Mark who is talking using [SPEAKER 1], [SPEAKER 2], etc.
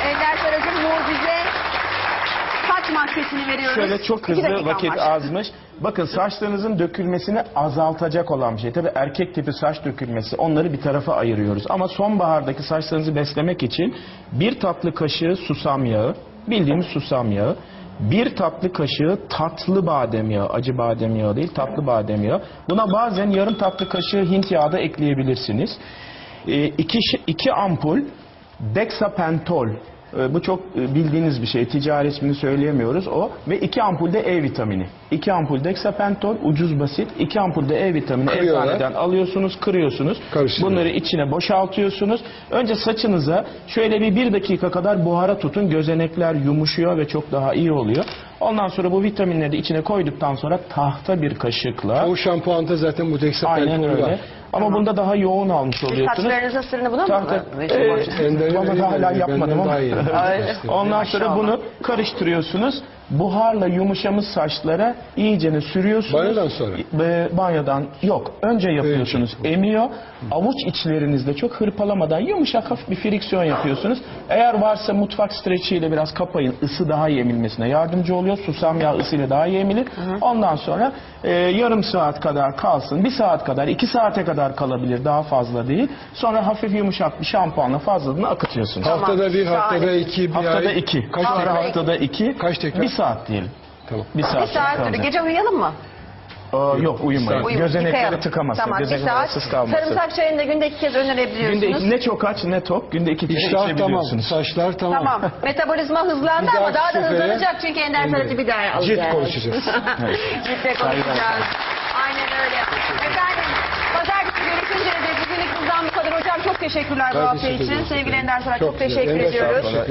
[SPEAKER 1] Ender Saracığım mucize saç maskesini veriyoruz.
[SPEAKER 2] Şöyle çok hızlı, vakit azmış. Bakın saçlarınızın dökülmesini azaltacak olan bir şey. Tabii erkek tipi saç dökülmesi, onları bir tarafa ayırıyoruz. Ama sonbahardaki saçlarınızı beslemek için bir tatlı kaşığı susam yağı, bildiğimiz susam yağı, bir tatlı kaşığı tatlı badem yağı, acı badem yağı değil, tatlı badem yağı. Buna bazen yarım tatlı kaşığı Hint yağı da ekleyebilirsiniz. İki ampul dexapentol. Bu çok bildiğiniz bir şey. Ticari ismini söyleyemiyoruz o. Ve 2 ampul de E vitamini. 2 ampul dexapentol, ucuz basit. 2 ampul de E vitamini eczaneden alıyorsunuz, kırıyorsunuz. Bunları içine boşaltıyorsunuz. Önce saçınıza şöyle bir dakika kadar buhara tutun. Gözenekler yumuşuyor ve çok daha iyi oluyor. Ondan sonra bu vitaminleri de içine koyduktan sonra tahta bir kaşıkla.
[SPEAKER 3] O şampuanda zaten bu dexapentol
[SPEAKER 2] aynen öyle.
[SPEAKER 3] var.
[SPEAKER 2] Ama bunda daha yoğun almış oluyorsunuz.
[SPEAKER 1] Saçlarınızın sırrını buna mı?
[SPEAKER 2] Ama daha hala yapmadım ama. Ondan sonra bunu karıştırıyorsunuz. Buharla yumuşamış saçlara iyicene sürüyorsunuz.
[SPEAKER 3] Banyodan sonra?
[SPEAKER 2] Banyodan yok. Önce yapıyorsunuz. Emiyor. Avuç içlerinizde çok hırpalamadan yumuşak hafif bir friksiyon yapıyorsunuz. Eğer varsa mutfak streçiyle biraz kapayın. Isı daha iyi emilmesine yardımcı oluyor. Susam yağı ısıyla daha iyi emilir. Ondan sonra yarım saat kadar kalsın. 1 saat kadar, 2 saate kadar kalabilir. Daha fazla değil. Sonra hafif yumuşak bir şampuanla fazlalığını akıtıyorsunuz.
[SPEAKER 3] Haftada bir, haftada iki, bir
[SPEAKER 2] haftada
[SPEAKER 3] ay.
[SPEAKER 2] 2.
[SPEAKER 3] Kaç tekrar?
[SPEAKER 2] Haftada 2.
[SPEAKER 3] Kaç tekrar?
[SPEAKER 2] 1 saat diyelim.
[SPEAKER 3] Tamam.
[SPEAKER 2] 1 saat.
[SPEAKER 1] 1 saat. Gece uyuyalım mı?
[SPEAKER 2] Yok uyumayın. Gözenekleri tıkamasın.
[SPEAKER 1] Tamam, 1
[SPEAKER 2] Gözenekler
[SPEAKER 1] saat.
[SPEAKER 2] rahatsız kalmasın.
[SPEAKER 1] Sarımsak çayını da günde 2 kez önerebiliyorsunuz.
[SPEAKER 2] Günde ne çok aç ne tok. Günde 2 kere
[SPEAKER 3] İştah tamam,
[SPEAKER 2] içebiliyorsunuz.
[SPEAKER 3] saçlar tamam.
[SPEAKER 1] Tamam. Metabolizma hızlandı
[SPEAKER 3] Bir
[SPEAKER 1] ama daha da
[SPEAKER 3] dahaki
[SPEAKER 1] hızlanacak çünkü Ender Sarıcı bir daha alacağız.
[SPEAKER 3] Cilt konuşacağız.
[SPEAKER 1] Ciltle konuşacağız. Aynen öyle. Efendim, pazartesi görüşünceye dek bugünlük bizden bu kadar. Hocam çok teşekkürler bu hafta için. Sevgili Ender Sarıcı çok teşekkür ediyoruz.